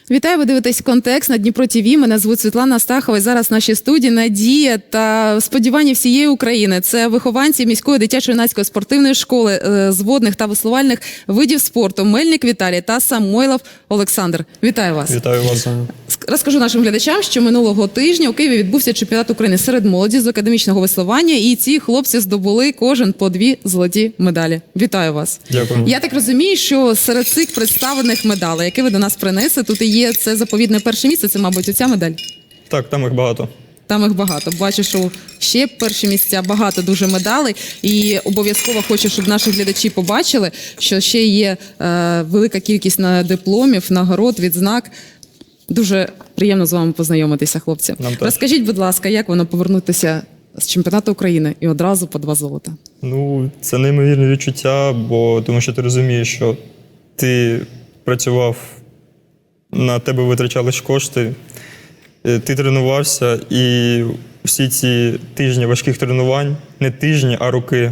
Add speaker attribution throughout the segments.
Speaker 1: Вітаю, ви дивитесь «Контекст» на Дніпро ТВ. Мене звуть Світлана Астахова. І зараз в нашій студії надія та сподівання всієї України. Це вихованці міської дитячо-юнацької спортивної школи з водних та веслувальних видів спорту Мельник Віталій та Самойлов Олександр. Вітаю вас.
Speaker 2: Вітаю вас.
Speaker 1: Розкажу нашим глядачам, що минулого тижня у Києві відбувся чемпіонат України серед молоді з академічного веслування, і ці хлопці здобули кожен по 2 золоті медалі. Вітаю вас.
Speaker 2: Дякую.
Speaker 1: Я так розумію, що серед цих представлених медалей, які ви до нас принесли, тут і є це заповідне перше місце, це, мабуть, оця медаль?
Speaker 2: Так, там їх багато.
Speaker 1: Там їх багато. Бачу, що ще перші місця, багато дуже медалей. І обов'язково хочу, щоб наші глядачі побачили, що ще є велика кількість дипломів, нагород, відзнак. Дуже приємно з вами познайомитися, хлопці. Розкажіть, будь ласка, як воно повернутися з чемпіонату України і одразу по 2 золота?
Speaker 2: Ну, це неймовірне відчуття, тому що ти розумієш, що ти працював, на тебе витрачались кошти, ти тренувався, і всі ці тижні важких тренувань, не тижні, а роки,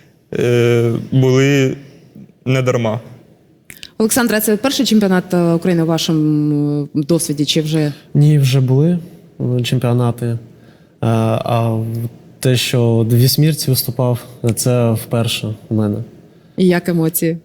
Speaker 2: були не дарма.
Speaker 1: Олександра, це перший чемпіонат України у вашому досвіді, чи вже?
Speaker 3: Ні, вже були чемпіонати. А те, що 2 смірці виступав, це вперше у мене.
Speaker 1: І як емоції?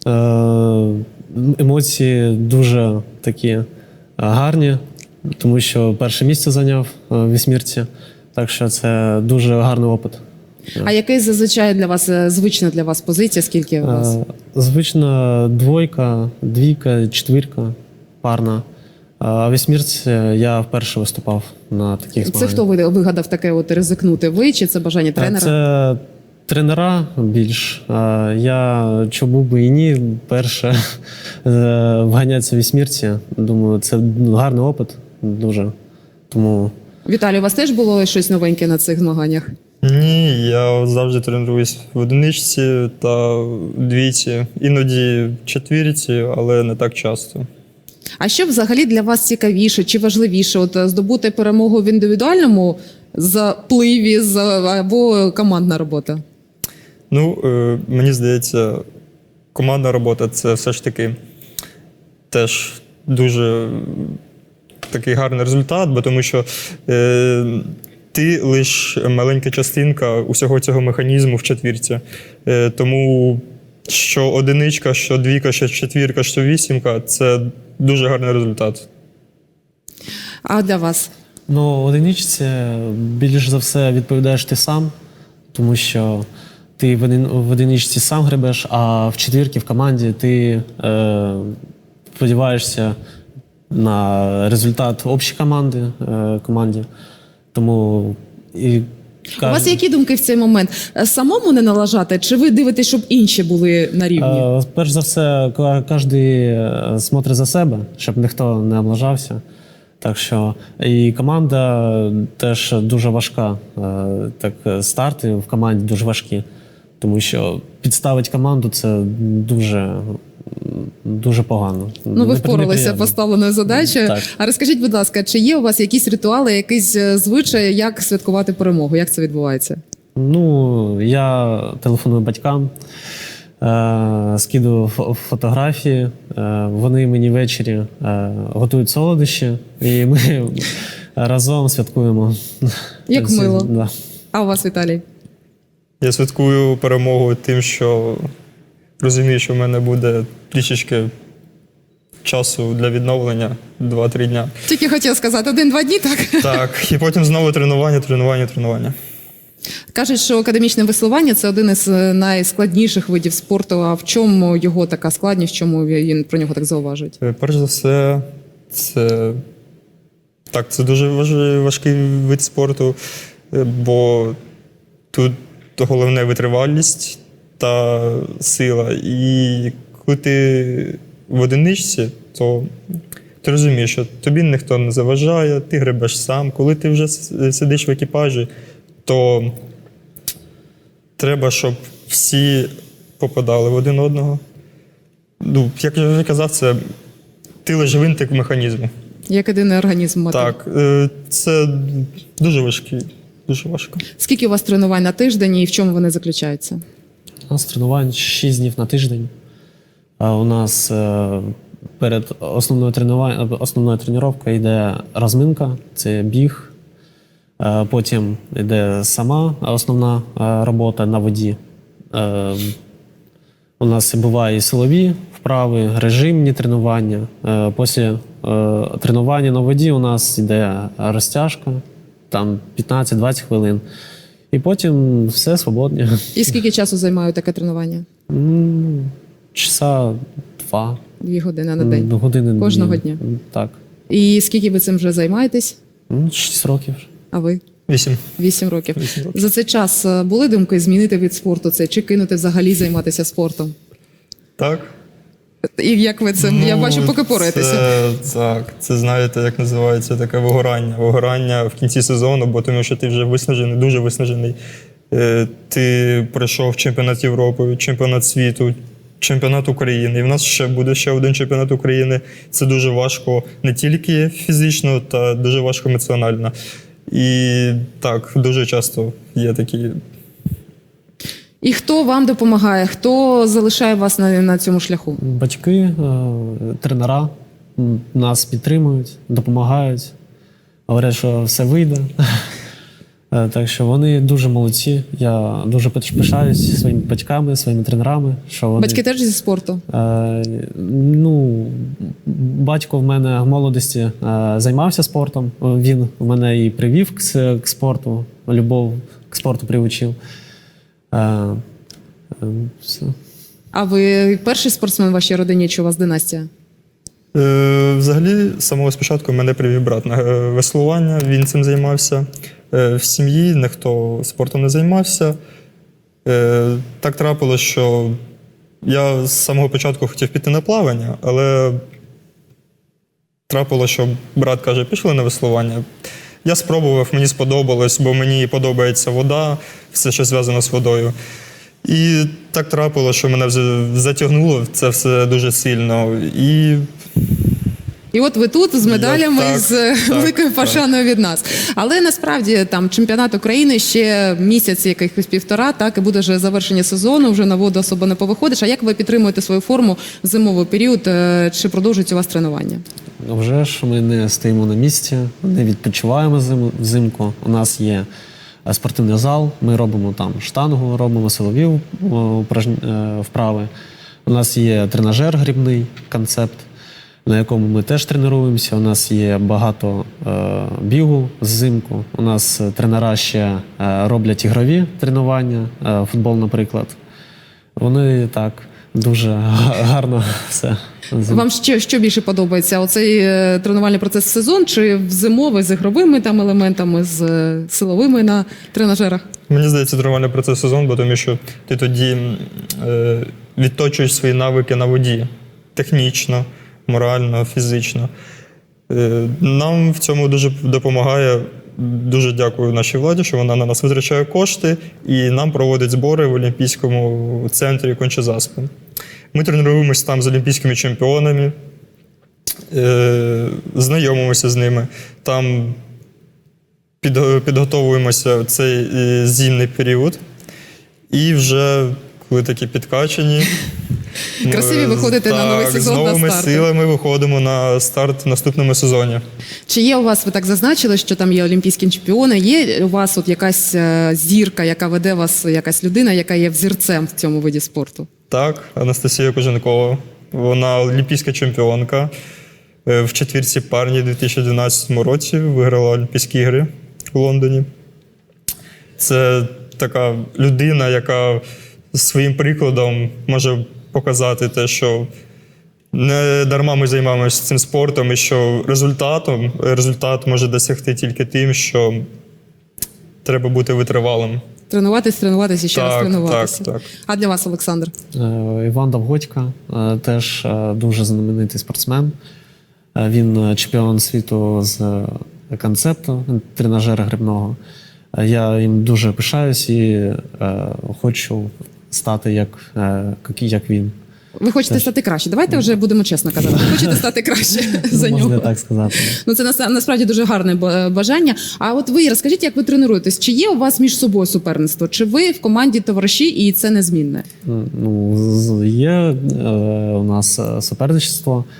Speaker 3: Емоції дуже такі гарні, тому що перше місце зайняв в вісьмірці, так що це дуже гарний опит.
Speaker 1: А який зазвичай для вас, звична для вас позиція, скільки у вас?
Speaker 3: Звично 2, 2, 4 парна. А в вісьмірці я вперше виступав на таких змаганнях.
Speaker 1: Це хто вигадав таке от ризикнути? Ви чи це бажання тренера?
Speaker 3: Це тренера більш. Я чому би і ні, перше вганятися в вісьмірці. Думаю, це гарний опит дуже. Тому...
Speaker 1: Віталій, у вас теж було щось новеньке на цих змаганнях?
Speaker 2: Ні, я завжди тренуюсь в одиничці та двійці, іноді в четвірці, але не так часто.
Speaker 1: А що взагалі для вас цікавіше чи важливіше? От здобути перемогу в індивідуальному запливі або командна робота?
Speaker 2: Ну, мені здається, командна робота – це все ж таки теж дуже такий гарний результат, бо тому що ти лише маленька частинка усього цього механізму в четвірці. Тому що одиничка, що двійка, що четвірка, що вісімка – це дуже гарний результат.
Speaker 1: А для вас?
Speaker 3: Ну, в одиничці більш за все відповідаєш ти сам, тому що ти в одиничці сам гребеш, а в четвірці, в команді ти сподіваєшся на результат общої команді. Тому
Speaker 1: у вас які думки в цей момент? Самому не налажати, чи ви дивитесь, щоб інші були на рівні?
Speaker 3: Перш за все, кожен смотрить за себе, щоб ніхто не облажався. Так що і команда теж дуже важка. Так, старти в команді дуже важкі, тому що підставити команду – це дуже погано.
Speaker 1: Ну, ви впоралися поставленою задачею.
Speaker 3: Так.
Speaker 1: А розкажіть, будь ласка, чи є у вас якісь ритуали, якісь звичаї, як святкувати перемогу? Як це відбувається?
Speaker 3: Ну, я телефоную батькам, скидаю фотографії, вони мені ввечері готують солодощі, і ми разом святкуємо.
Speaker 1: Як мило.
Speaker 3: Да.
Speaker 1: А у вас, Віталій?
Speaker 2: Я святкую перемогу тим, що розумію, що в мене буде трішечки часу для відновлення 2-3 дня.
Speaker 1: Тільки хотів сказати, 1-2 дні, так?
Speaker 2: Так, і потім знову тренування.
Speaker 1: Кажуть, що академічне веслування – це один із найскладніших видів спорту. А в чому його така складність, в чому він про нього так зауважують?
Speaker 2: Перш за все, це дуже важкий вид спорту, бо тут головне витривалість та сила. І коли ти в одиничці, то ти розумієш, що тобі ніхто не заважає, ти гребеш сам. Коли ти вже сидиш в екіпажі, то треба, щоб всі попадали в один одного. Ну, як я вже казав, ти лише гвинтик механізму.
Speaker 1: Як єдиний організм мотив.
Speaker 2: Так, це дуже важко.
Speaker 1: Скільки у вас тренувань на тиждень і в чому вони заключаються?
Speaker 3: У нас тренувань 6 днів на тиждень. У нас перед основною тренуванням йде розминка, це біг. Потім йде сама основна робота на воді. У нас бувають і силові вправи, режимні тренування. Після тренування на воді у нас йде розтяжка, там 15-20 хвилин. І потім все свободне.
Speaker 1: І скільки часу займає таке тренування?
Speaker 3: Часа 2.
Speaker 1: 2 години на день?
Speaker 3: Години.
Speaker 1: Кожного дня?
Speaker 3: Так.
Speaker 1: І скільки ви цим вже займаєтесь?
Speaker 3: 6 років.
Speaker 1: А ви?
Speaker 2: 8.
Speaker 1: 8 років.
Speaker 2: 8 років.
Speaker 1: За цей час були думки змінити від спорту це, чи кинути взагалі займатися спортом?
Speaker 2: Так.
Speaker 1: І як ви цим, я бачу, поки пораєтеся.
Speaker 2: Це, знаєте, як називається, таке вигорання. Вигорання в кінці сезону, бо тому що ти вже виснажений, дуже виснажений. Ти пройшов чемпіонат Європи, чемпіонат світу, чемпіонат України. І в нас ще буде ще один чемпіонат України. Це дуже важко не тільки фізично, та дуже важко емоціонально. І так, дуже часто є такі.
Speaker 1: І хто вам допомагає? Хто залишає вас на цьому шляху?
Speaker 3: Батьки, тренера нас підтримують, допомагають, говорять, що все вийде. Так що вони дуже молодці. Я дуже пишаюсь своїми батьками, своїми тренерами. Що вони...
Speaker 1: Батьки теж зі спорту?
Speaker 3: Батько в мене в молодості займався спортом. Він мене і привів к спорту, любов к спорту приучив. Все.
Speaker 1: А ви перший спортсмен в вашій родині, чи у вас династія?
Speaker 2: Взагалі, з самого спочатку мене привів брат на веслування, він цим займався. В сім'ї ніхто спортом не займався. Так трапилося, що я з самого початку хотів піти на плавання, але трапилося, що брат каже, пішли на веслування. Я спробував, мені сподобалось, бо мені подобається вода, все, що зв'язано з водою. І так трапилося, що мене затягнуло це все дуже сильно. І
Speaker 1: от ви тут з медалями,
Speaker 2: так,
Speaker 1: з великою пошаною від нас. Але насправді там чемпіонат України ще місяць, якихось 1,5, так, і буде вже завершення сезону, вже на воду особо не повиходиш. А як ви підтримуєте свою форму в зимовий період? Чи продовжується у вас тренування?
Speaker 3: Вже ж ми не стоїмо на місці, не відпочиваємо взимку. У нас є спортивний зал, ми робимо там штангу, робимо силові вправи. У нас є тренажер грібний, концепт, на якому ми теж тренуємося. У нас є багато бігу взимку. У нас тренера ще роблять ігрові тренування, футбол, наприклад. Вони так дуже гарно все.
Speaker 1: Вам що більше подобається? Оцей тренувальний процес в сезон чи в зимовий з ігровими там елементами, з силовими на тренажерах?
Speaker 2: Мені здається, тренувальний процес сезон, бо тому що ти тоді відточуєш свої навики на воді. Технічно, морально, фізично. Нам в цьому дуже допомагає. Дуже дякую нашій владі, що вона на нас витрачає кошти і нам проводить збори в Олімпійському центрі Конча-Заспи. Ми тренуємося там з олімпійськими чемпіонами, знайомимося з ними, там підготовуємося в цей зимний період. І вже, коли такі підкачані,
Speaker 1: красиві виходите на новий сезон,
Speaker 2: з новими
Speaker 1: на старт.
Speaker 2: силами виходимо на старт в наступному сезоні.
Speaker 1: Чи є у вас, ви так зазначили, що там є олімпійські чемпіони, є у вас от якась зірка, яка веде вас, якась людина, яка є взірцем в цьому виді спорту?
Speaker 2: Так, Анастасія Коженкова. Вона олімпійська чемпіонка. В четвірці парні у 2012 році виграла Олімпійські ігри у Лондоні. Це така людина, яка своїм прикладом може показати те, що не дарма ми займаємося цим спортом, і що результат може досягти тільки тим, що треба бути витривалим.
Speaker 1: Тренуватися і ще раз тренуватися.
Speaker 2: Так.
Speaker 1: А для вас, Олександр?
Speaker 3: Іван Довгодько, теж дуже знаменитий спортсмен. Він чемпіон світу з концепту, тренажера грибного. Я їм дуже пишаюсь і хочу стати як він.
Speaker 1: Ви хочете стати краще. Давайте вже будемо чесно казати. Ви хочете стати краще за нього.
Speaker 3: Можна так сказати.
Speaker 1: Ну, це насправді дуже гарне бажання. А от ви розкажіть, як ви тренуєтесь? Чи є у вас між собою суперництво? Чи ви в команді товариші і це незмінне?
Speaker 3: Ну, є у нас суперництво.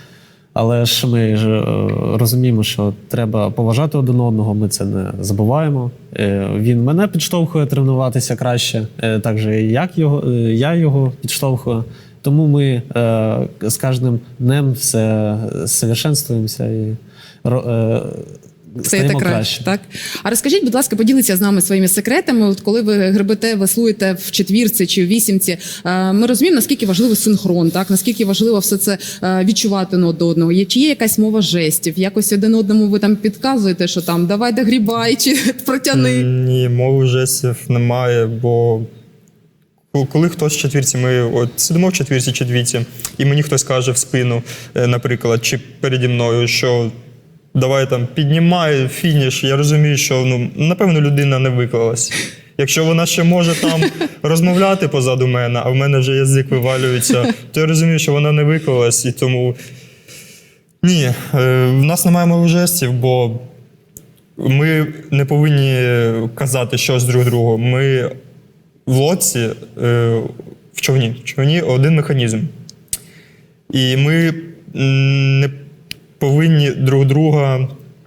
Speaker 3: Але ж ми ж розуміємо, що треба поважати один одного, ми це не забуваємо. Він мене підштовхує тренуватися краще, так же я його підштовхую. Тому ми з кожним днем все совершенствуємося і
Speaker 1: Стаєте краще, так? А розкажіть, будь ласка, поділіться з нами своїми секретами. От коли ви гребете, веслуєте в четвірці чи в вісімці, ми розуміємо, наскільки важливий синхрон, так? Наскільки важливо все це відчувати до одного. Чи є якась мова жестів? Якось один одному ви там підказуєте, що там давай догрібай чи протяни?
Speaker 2: Ні, мови жестів немає, бо коли хтось в четвірці, ми от сидимо в четвірці чи двійці, і мені хтось каже в спину, наприклад, чи переді мною, що давай там піднімай фініш, я розумію, що напевно людина не виклалась. Якщо вона ще може там розмовляти позаду мене, а в мене вже язик вивалюється, то я розумію, що вона не виклалась, і тому ні, в нас немає мови жестів, бо ми не повинні казати щось друг другу. Ми в лодці, в човні один механізм. І ми не повинні друг друга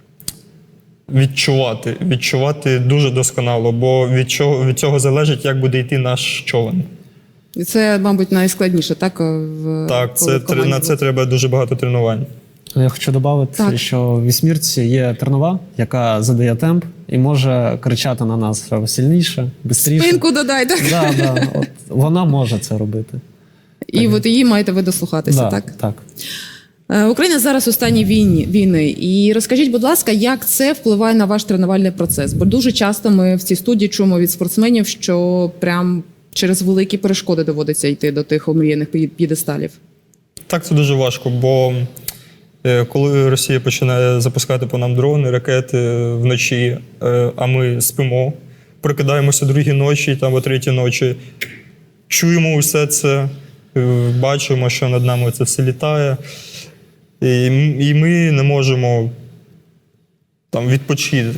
Speaker 2: відчувати дуже досконало, бо від цього залежить, як буде йти наш човен.
Speaker 1: І це, мабуть, найскладніше, так?
Speaker 2: Так, на це треба дуже багато тренувань.
Speaker 3: Я хочу додати, що в вісьмірці є тренова, яка задає темп і може кричати на нас сильніше, швидше.
Speaker 1: Спинку додай, так?
Speaker 3: Да. От вона може це робити.
Speaker 1: І от її маєте ви дослухатися, так?
Speaker 3: Так.
Speaker 1: Україна зараз у стані війни. І розкажіть, будь ласка, як це впливає на ваш тренувальний процес? Бо дуже часто ми в цій студії чуємо від спортсменів, що прям через великі перешкоди доводиться йти до тих омріяних п'єдесталів.
Speaker 2: Так, це дуже важко, бо коли Росія починає запускати по нам дрони, ракети вночі, а ми спимо, прокидаємося другій ночі там, о третій ночі, чуємо усе це, бачимо, що над нами це все літає, і ми не можемо там відпочити.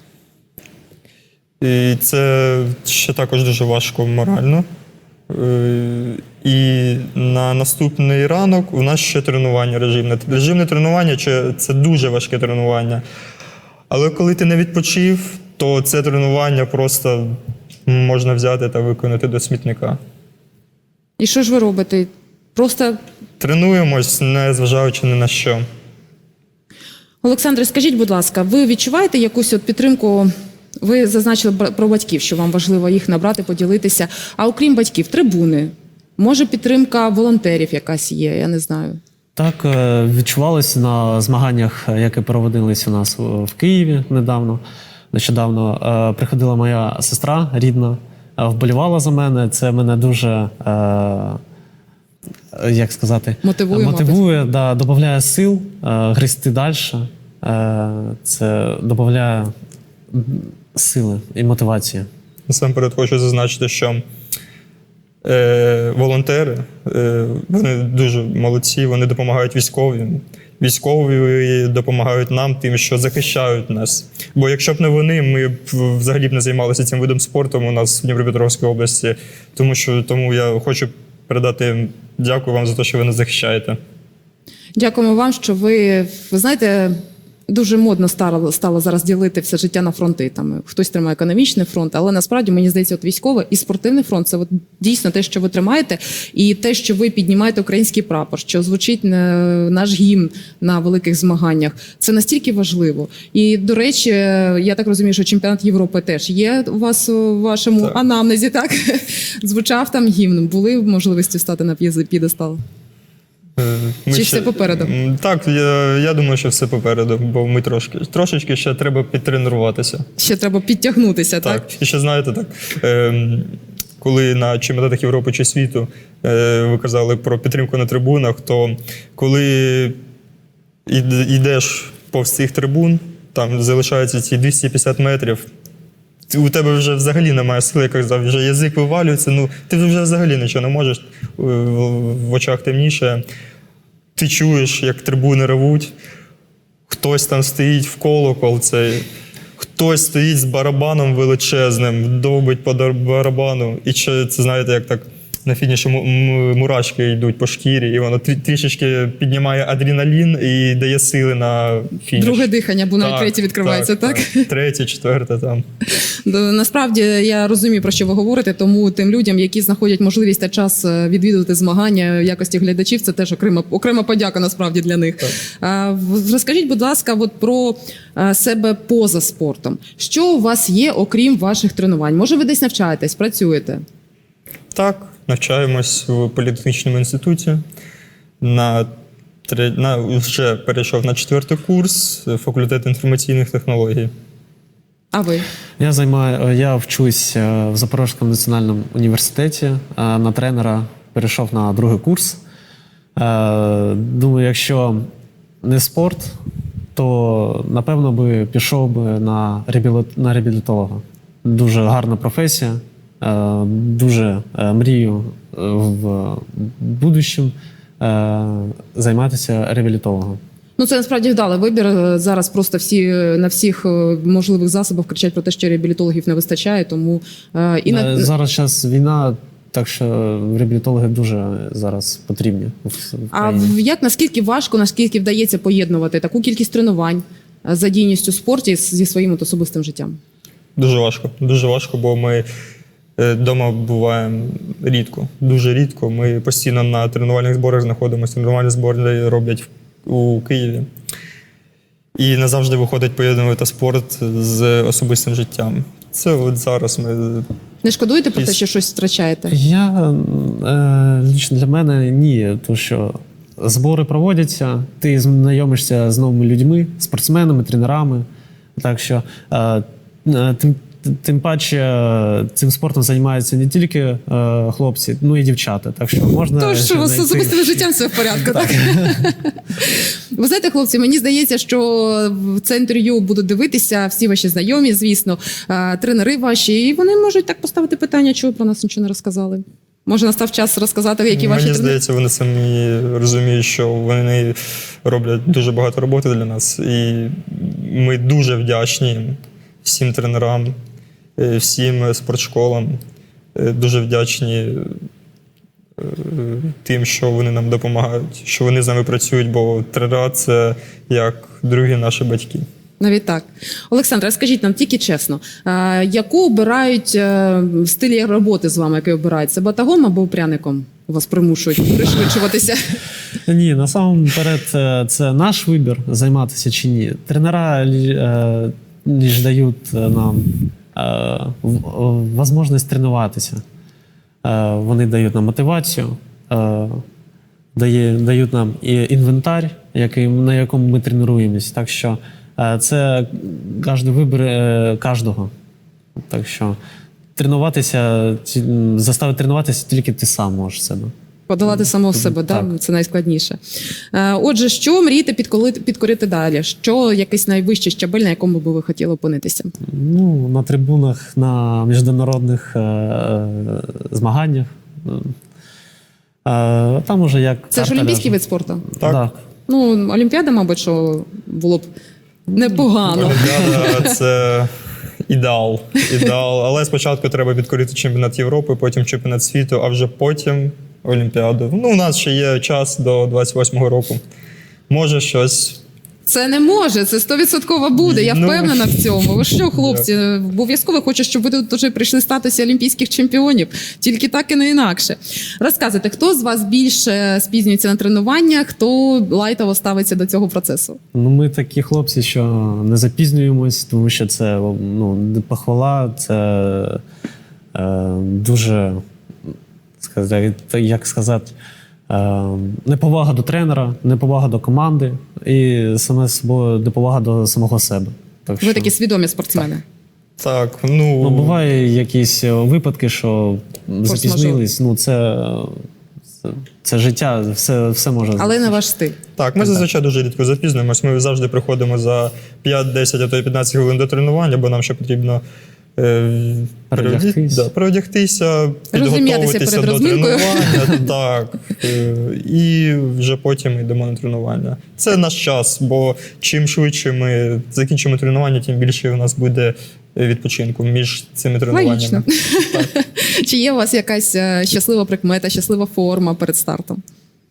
Speaker 2: І це ще також дуже важко морально. І на наступний ранок у нас ще тренування режимне. Режимне тренування – це дуже важке тренування. Але коли ти не відпочив, то це тренування просто можна взяти та виконати до смітника.
Speaker 1: І що ж ви робите? Просто
Speaker 2: тренуємось, не зважаючи ні на що.
Speaker 1: Олександре, скажіть, будь ласка, ви відчуваєте якусь от підтримку? Ви зазначили про батьків, що вам важливо їх набрати, поділитися. А окрім батьків, трибуни? Може, підтримка волонтерів якась є? Я не знаю.
Speaker 3: Так, відчувалося на змаганнях, які проводились у нас в Києві нещодавно. Приходила моя сестра рідна, вболівала за мене. Це мене дуже, як сказати, мотивує, додає сил грести далі. Це додає сили і мотивації.
Speaker 2: Насамперед хочу зазначити, що волонтери, вони дуже молодці, вони допомагають військовим. Військові допомагають нам тим, що захищають нас. Бо якщо б не вони, ми б взагалі б не займалися цим видом спорту у нас в Дніпропетровській області. Тому я хочу передати дякую вам за те, що ви нас захищаєте.
Speaker 1: Дякуємо вам, що ви знаєте, дуже модно стало зараз ділити все життя на фронти. Там хтось тримає економічний фронт, але насправді, мені здається, от військовий і спортивний фронт – це от дійсно те, що ви тримаєте, і те, що ви піднімаєте український прапор, що звучить наш гімн на великих змаганнях. Це настільки важливо. І, до речі, я так розумію, що чемпіонат Європи теж є у вас у вашому анамнезі, так? Звучав там гімн. Були можливості стати на п'єдестал? Чи все попереду?
Speaker 2: Так, я думаю, що все попереду, бо ми трошечки ще треба підтренуватися.
Speaker 1: Ще треба підтягнутися, так?
Speaker 2: І ще знаєте, так, коли на чемпіонатах Європи чи світу ви казали про підтримку на трибунах, то коли йдеш повз цих трибун, там залишаються ці 250 метрів, у тебе вже взагалі немає сили, як казав, вже язик вивалюється, ти вже взагалі нічого не можеш, в очах темніше. Ти чуєш, як трибуни ревуть, хтось там стоїть в колокол цей, хтось стоїть з барабаном величезним, довбить по барабану. І це, знаєте, як так на фініші мурашки йдуть по шкірі, і воно трішечки піднімає адреналін і дає сили на фініш.
Speaker 1: Друге дихання, бо навіть третє відкривається, так?
Speaker 2: Третє, четверте там.
Speaker 1: Насправді я розумію, про що ви говорите, тому тим людям, які знаходять можливість та час відвідувати змагання в якості глядачів, це теж окрема подяка насправді для них. Розкажіть, будь ласка, от про себе поза спортом. Що у вас є, окрім ваших тренувань? Може, ви десь навчаєтесь, працюєте?
Speaker 2: Так, навчаємось в політехнічному інституті. Вже перейшов на 4-й курс, факультет інформаційних технологій.
Speaker 1: А ви?
Speaker 3: Я вчусь в Запорізькому національному університеті. На тренера перейшов на 2-й курс. Думаю, якщо не спорт, то, напевно, пішов би на реабілітолога. Дуже гарна професія. Дуже мрію в будущому займатися реабілітологом.
Speaker 1: Ну, це насправді вдалий вибір. Зараз просто всі на всіх можливих засобах кричать про те, що реабілітологів не вистачає, тому
Speaker 3: Зараз час війна, так що реабілітологи дуже зараз потрібні в
Speaker 1: А
Speaker 3: країні.
Speaker 1: наскільки важко, наскільки вдається поєднувати таку кількість тренувань, задійність у спорті зі своїм особистим життям?
Speaker 2: Дуже важко, бо ми вдома буваємо рідко, дуже рідко. Ми постійно на тренувальних зборах знаходимося. Тренувальні збори роблять у Києві. І не завжди виходить поєднувати спорт з особистим життям. Це от зараз ми...
Speaker 1: Не шкодуєте про те, що щось втрачаєте?
Speaker 3: Лично для мене ні, тому що збори проводяться, ти знайомишся з новими людьми, спортсменами, тренерами. Так що тим паче цим спортом займаються не тільки хлопці, ну і дівчата. Так що можна.
Speaker 1: Тож, що у вас з особистим життям все в порядку, так? Ви знаєте, хлопці, мені здається, що це інтерв'ю будуть дивитися всі ваші знайомі, звісно, тренери ваші, і вони можуть так поставити питання, чого ви про нас нічого не розказали. Може, настав час розказати, які ваші
Speaker 2: Мені
Speaker 1: тренери?
Speaker 2: здається, вони самі розуміють, що вони роблять дуже багато роботи для нас. І ми дуже вдячні всім тренерам, всім спортшколам. Дуже вдячні тим, що вони нам допомагають, що вони з нами працюють, бо тренера – це як другі наші батьки.
Speaker 1: Навіть так. Олександр, скажіть нам тільки чесно, яку обирають стилі роботи з вами, який обирають? Це батагом або пряником? Вас примушують пришвидшуватися?
Speaker 3: Ні, насамперед це наш вибір, займатися чи ні. Тренера лише дають нам можливість тренуватися. Вони дають нам мотивацію, дають нам і інвентар, на якому ми тренуємось. Так що це кожен вибір кожного. Так що заставити тренуватися тільки ти сам можеш себе.
Speaker 1: Подолати самого себе, так? Це найскладніше. Отже, що мрієте підкорити далі? Що якийсь найвищий щабель, на якому би ви хотіли опинитися?
Speaker 3: Ну, на трибунах, на міжнародних змаганнях. Там уже як
Speaker 1: Це ж олімпійський вид спорту?
Speaker 2: Так.
Speaker 1: Ну, Олімпіада, мабуть, що було б непогано.
Speaker 2: Олімпіада – це ідеал. Але спочатку треба підкорити чемпіонат Європи, потім чемпіонат світу, а вже потім Олімпіаду. Ну, у нас ще є час до 28-го року. Може щось.
Speaker 1: Це не може, це 100% буде, я впевнена в цьому. Ви що, хлопці, обов'язково хочу, щоб ви тут вже прийшли в статусі олімпійських чемпіонів. Тільки так і не інакше. Розказуйте, хто з вас більше спізнюється на тренування, хто лайтово ставиться до цього процесу?
Speaker 3: Ну, ми такі хлопці, що не запізнюємось, тому що це похвала, це дуже, як сказати, неповага до тренера, неповага до команди і саме собою неповага до самого себе. Так,
Speaker 1: Ви такі свідомі спортсмени.
Speaker 2: Так,
Speaker 3: ну, буває якісь випадки, що запізнились. Ну, це життя, все може.
Speaker 1: Але не ваш стиль.
Speaker 2: Так, ми зазвичай дуже рідко запізнюємось. Ми завжди приходимо за 5-10, а то й 15 хвилин до тренування, бо нам ще потрібно переодягтися, підготуватися до тренування. Так. І вже потім йдемо на тренування. Це наш час, бо чим швидше ми закінчимо тренування, тим більше у нас буде відпочинку між цими тренуваннями.
Speaker 1: Логічно. Чи є у вас якась щаслива прикмета, щаслива форма перед стартом?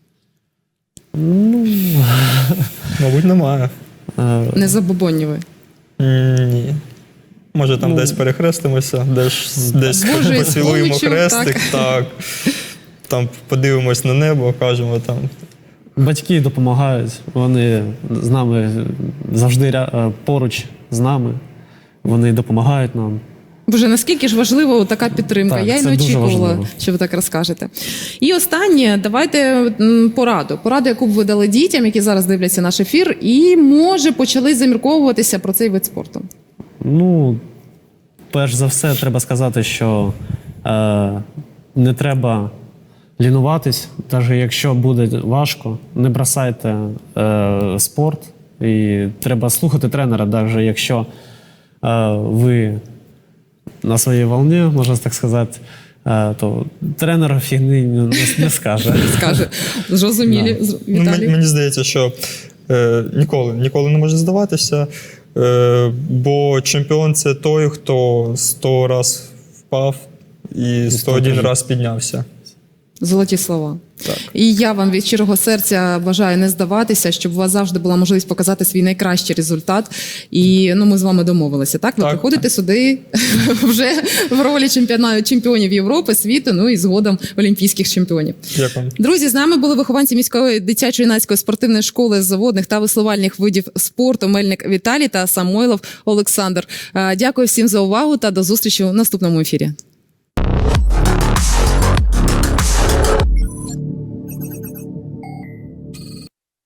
Speaker 2: Мабуть, немає.
Speaker 1: Не забобонні ви.
Speaker 2: Ні. Може, там десь перехрестимося, десь
Speaker 1: Боже,
Speaker 2: поцілуємо
Speaker 1: Ісполичу,
Speaker 2: хрестик, так. Там подивимось на небо, кажемо там.
Speaker 3: Батьки допомагають, вони з нами завжди поруч з нами, вони допомагають нам.
Speaker 1: Боже, наскільки ж важлива така підтримка?
Speaker 3: Так,
Speaker 1: Я й
Speaker 3: це
Speaker 1: не
Speaker 3: дуже
Speaker 1: очікувала,
Speaker 3: важливо.
Speaker 1: що ви так розкажете. І останнє, давайте пораду. Пораду, яку б ви дали дітям, які зараз дивляться наш ефір, і, може, почали замірковуватися про цей вид спорту.
Speaker 3: Ну, перш за все, треба сказати, що не треба лінуватись, навіть якщо буде важко, не бросайте спорт. І треба слухати тренера, навіть якщо ви на своїй волні, можна так сказати, то тренер фігни не скаже.
Speaker 1: Скаже, зрозумілі,
Speaker 2: Ну,
Speaker 1: Віталій.
Speaker 2: мені здається, що ніколи не може здаватися, бо чемпіон – це той, хто 100 раз впав і 101 раз піднявся.
Speaker 1: Золоті слова.
Speaker 2: Так.
Speaker 1: І я вам від щирого серця бажаю не здаватися, щоб у вас завжди була можливість показати свій найкращий результат. І ми з вами домовилися. Так, ви
Speaker 2: Так.
Speaker 1: приходите сюди вже в ролі чемпіонів Європи, світу, і згодом олімпійських чемпіонів.
Speaker 2: Дякую.
Speaker 1: Друзі, з нами були вихованці міської дитячо-юнацької спортивної школи з водних та веслувальних видів спорту Мельник Віталій та Самойлов Олександр. Дякую всім за увагу та до зустрічі у наступному ефірі.